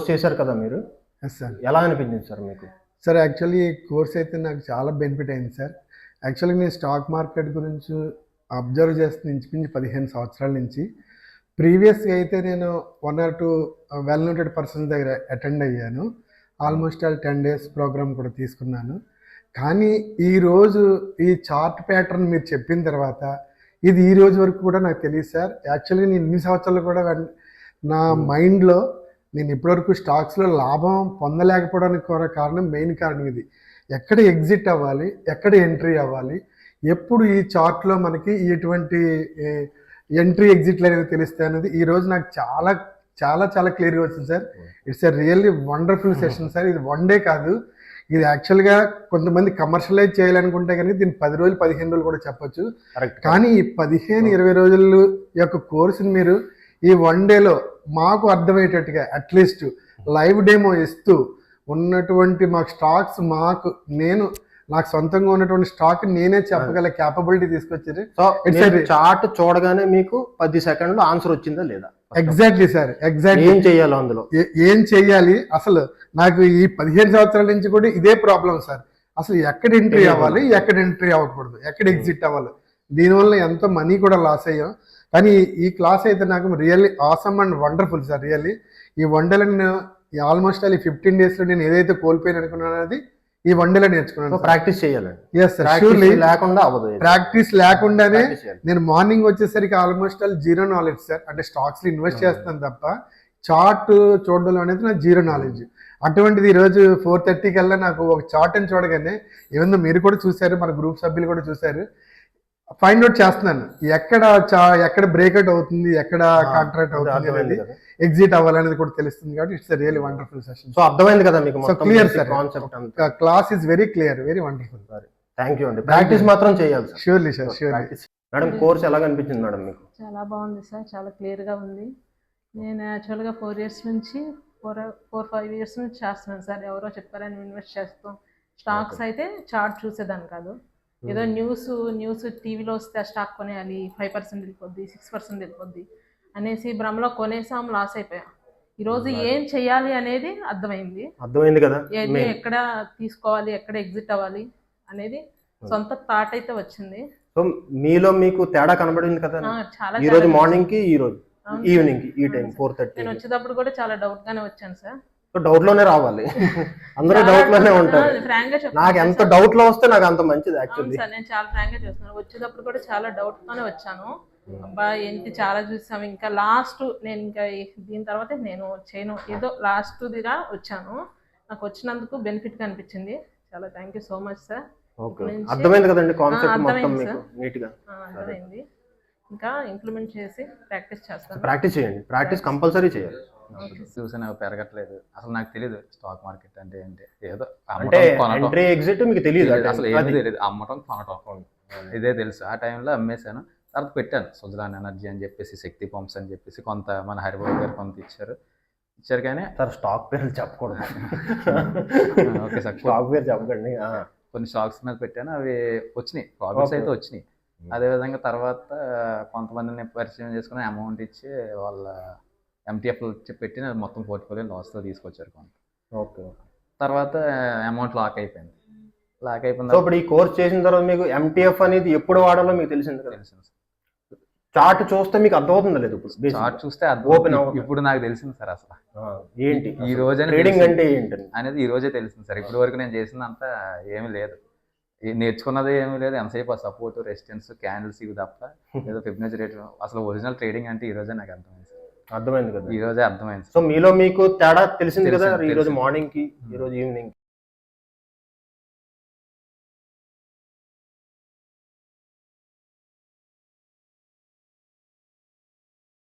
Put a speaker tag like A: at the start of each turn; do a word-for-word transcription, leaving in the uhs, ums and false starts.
A: Course చేశారు కదా మీరు.
B: Yes sir.
A: ఎలా అనిపించింది సార్ మీకు?
B: సార్ యాక్చువల్లీ ఈ కోర్స్ అయితే నాకు చాలా బెనిఫిట్ అయింది సార్. యాక్చువల్లీ నేను స్టాక్ మార్కెట్ గురించి అబ్జర్వ్ చేస్తున్న ఇంచుమించు పదిహేను సంవత్సరాల నుంచి. ప్రీవియస్గా అయితే నేను one or two well noted persons దగ్గర అటెండ్ అయ్యాను. Almost all ten days program కూడా తీసుకున్నాను. కానీ ఈరోజు ఈ చార్ట్ ప్యాటర్న్ మీరు చెప్పిన తర్వాత ఇది ఈ రోజు వరకు కూడా నాకు తెలియదు సార్. యాక్చువల్గా నేను ఇన్ని సంవత్సరాలు కూడా నా మైండ్లో నేను ఇప్పటివరకు స్టాక్స్లో లాభం పొందలేకపోవడానికి కూడా కారణం, మెయిన్ కారణం ఇది. ఎక్కడ ఎగ్జిట్ అవ్వాలి, ఎక్కడ ఎంట్రీ అవ్వాలి, ఎప్పుడు ఈ చార్ట్లో మనకి ఎటువంటి ఎంట్రీ ఎగ్జిట్లు అనేది తెలుస్తాయి అనేది ఈరోజు నాకు చాలా చాలా చాలా క్లియర్గా వచ్చింది sir. It's a really wonderful session sir. ఇది వన్ డే కాదు, ఇది యాక్చువల్గా కొంతమంది కమర్షియలైజ్ చేయాలనుకుంటే కానీ దీన్ని పది రోజులు పదిహేను రోజులు కూడా చెప్పొచ్చు. కానీ ఈ పదిహేను ఇరవై రోజులు యొక్క కోర్సుని మీరు ఈ వన్ డేలో మాకు అర్థమయ్యేటట్టుగా అట్లీస్ట్ లైవ్ డెమో ఇస్తూ ఉన్నటువంటి మాకు స్టాక్స్ మాకు నేను నాకు సొంతంగా ఉన్నటువంటి స్టాక్ నేనే చెప్పగల క్యాపబిలిటీ తీసుకొచ్చారు.
A: సో చార్ట్ చూడగానే మీకు పది సెకండ్లో ఆన్సర్ వచ్చిందా లేదా?
B: Exactly sir. ఎగ్జాక్ట్లీ
A: ఏం చెయ్యాలి అందులో,
B: ఏం చెయ్యాలి, అసలు నాకు ఈ పదిహేను సంవత్సరాల నుంచి కూడా ఇదే ప్రాబ్లం సార్. అసలు ఎక్కడ ఎంట్రీ అవ్వాలి, ఎక్కడ ఎంట్రీ అవ్వకూడదు, ఎక్కడ ఎగ్జిట్ అవ్వాలి. దీనివల్ల ఎంతో మనీ కూడా లాస్ అయ్యాం. కానీ ఈ క్లాస్ అయితే నాకు really awesome and wonderful sir. Really ఈ వన్ డేలో నేను ఆల్మోస్ట్ ఆల్ ఈ ఫిఫ్టీన్ డేస్లో నేను ఏదైతే కోల్పోయాను అనుకున్నాను అది ఈ వన్ డేలో నేర్చుకున్నాను.
A: ప్రాక్టీస్ చేయాలండి.
B: Yes sir, surely.
A: లేకుండా అవ్వదు.
B: ప్రాక్టీస్ లేకుండానే నేను మార్నింగ్ వచ్చేసరికి almost all zero knowledge sir. అంటే స్టాక్స్ లో ఇన్వెస్ట్ చేస్తాను తప్ప చార్ట్ చూడడం అనేది నాకు జీరో నాలెడ్జ్. అటువంటిది ఈరోజు ఫోర్ థర్టీ కల్లా నాకు ఒక చార్ట్ అని చూడగానే, ఏమన్నా మీరు కూడా చూసారు, మన గ్రూప్ సభ్యులు కూడా చూసారు, ఫైండ్ అవుట్ చేస్తున్నాను ఎక్కడ చా ఎక్కడ బ్రేక్అవుట్ అవుతుంది, ఎక్కడ కాంట్రాక్ట్ అవుతుంది అనేది, ఎగ్జిట్ అవ్వాలనేది కూడా తెలుస్తుంది. కాబట్టి it's really wonderful session.
A: So అర్థమైంది కదా మీకు?
B: So clear sir, class is very clear, very wonderful.
A: Thank you అండి. ప్రాక్టీస్ మాత్రం చేయాలి sir.
B: Surely sir, surely.
A: Madam course ఎలా అనిపించింది మేడం మీకు?
C: చాలా బాగుంది సార్, చాలా క్లియర్గా ఉంది. నేను యాక్చువల్గా ఫోర్ ఇయర్స్ నుంచి ఫోర్ ఫోర్ ఫైవ్ ఇయర్స్ నుంచి చేస్తున్నాను సార్. ఎవరో చెప్పారని ఇన్వెస్ట్ చేస్తాం. స్టాక్స్ అయితే చార్ట్ చూసేదాన్ని కాదు. ఏదో న్యూస్ న్యూస్ టీవీలో వస్తే ఆ స్టాక్ కొనేయాలి, ఫైవ్ పర్సెంట్ వెళ్ళిపోద్ది, సిక్స్ పర్సెంట్ వెళ్ళిపోద్ది అనేసి భ్రమలో కొనేసాం, లాస్ అయిపోయాం. ఈరోజు ఏం చెయ్యాలి అనేది అర్థమైంది.
A: అర్థమైంది కదా,
C: ఏది ఎక్కడ తీసుకోవాలి, ఎక్కడ ఎగ్జిట్ అవ్వాలి అనేది సొంత థాట్ అయితే వచ్చింది.
A: సో మీలో మీకు తేడా కనబడింది కదా
C: చాలా.
A: ఈ రోజు మార్నింగ్ కి, ఈ రోజు ఈవినింగ్ కి, ఈ టైం ఫోర్ థర్టీ
C: నేను వచ్చేటప్పుడు కూడా చాలా డౌట్ గానే వచ్చాను సార్.
A: డౌట్ లోనే రావాలి, అందరూ డౌట్ లోనే ఉంటారు. నాకు ఎంత డౌట్ లో వస్తే నాకు అంత మంచిది యాక్చువల్లీ.
C: నేను చాలా ఫ్రాంక్ గా చూస్తున్నాను. వచ్చేటప్పుడు కూడా చాలా డౌట్ తోనే వచ్చాను. అబ్బా ఏంటి చాలా చూసాం, ఇంకా లాస్ట్ నేను ఇంకా దీని తర్వాత నేను చేయను, ఏదో లాస్ట్ దిగా వచ్చాను. నాకు వచ్చినందుకు బెనిఫిట్ గా అనిపించింది. చాలా thank you so much sir.
A: అర్థమైంది కదండి కాన్సెప్ట్ మొత్తం మీకు నీట్ గా?
C: అర్థమైంది. ఇంకా ఇంప్లిమెంట్ చేసి ప్రాక్టీస్ చేస్తాను.
A: ప్రాక్టీస్ చేయండి, ప్రాక్టీస్ కంపల్సరీ చేయాలి.
D: చూసి నాకు పెరగట్లేదు, అసలు నాకు తెలియదు స్టాక్ మార్కెట్ అంటే ఏంటి. ఏదో
A: అంటే ఎంట్రీ ఎగ్జిట్ మీకు తెలియదు,
D: అసలు ఏమీ తెలియదు. అమ్మటం కొనటం ఇదే తెలుసు. ఆ టైంలో అమ్మేశాను. తర్వాత పెట్టాను సుజలాన్ ఎనర్జీ అని చెప్పేసి, శక్తి పంప్స్ అని చెప్పేసి, కొంత మన హరిబాబు గారు కొంత ఇచ్చారు ఇచ్చారు కానీ
A: సార్ స్టాక్ పేర్లు చెప్పకూడదు.
D: ఓకే సార్,
A: స్టాక్ పేరు చెప్పకండి.
D: కొన్ని స్టాక్స్ మీద పెట్టాను, అవి వచ్చినాయి, ప్రాఫిట్స్ అయితే వచ్చినాయి. అదేవిధంగా తర్వాత కొంతమందిని పరిచయం చేసుకుని అమౌంట్ ఇచ్చి వాళ్ళ ఎంటీఎఫ్లు ఇచ్చి పెట్టి మొత్తం పోర్ట్ఫోలియో లాస్లో తీసుకొచ్చారు కొంత.
A: ఓకే.
D: తర్వాత అమౌంట్ లాక్ అయిపోయింది. లాక్ అయిపోయింది.
A: ఇప్పుడు ఈ కోర్స్ చేసిన తర్వాత మీకు ఎంటీఎఫ్ అనేది ఎప్పుడు వాడాలో మీకు తెలిసింది కదా?
D: తెలిసింది.
A: చార్ట్ చూస్తే మీకు అర్థమవుతుందా లేదు? ఇప్పుడు
D: చార్ట్ చూస్తే ఓపెన్ ఇప్పుడు నాకు తెలిసింది సార్. అసలు
A: ఏంటి
D: ఈ రోజే
A: ట్రేడింగ్ అంటే ఏంటి అనేది
D: ఈ రోజే తెలిసింది సార్. ఇప్పటి వరకు నేను చేసిందంతా ఏమీ లేదు, నేర్చుకున్నది ఏమీ లేదు. ఎంతసేపు ఆ సపోర్ట్, రెసిస్టెన్స్, క్యాండిల్స్ ఇవి తప్ప ఏదో ఫిబ్నెచీ రేట్. అసలు ఒరిజినల్ ట్రేడింగ్ అంటే ఈ రోజే నాకు అర్థమైంది సార్.
A: అర్థమైంది కదా?
D: ఈ రోజే అర్థమైంది.
A: సో మీలో మీకు తేడా తెలిసింది కదా ఈ రోజు మార్నింగ్ కి, ఈ రోజు ఈవినింగ్.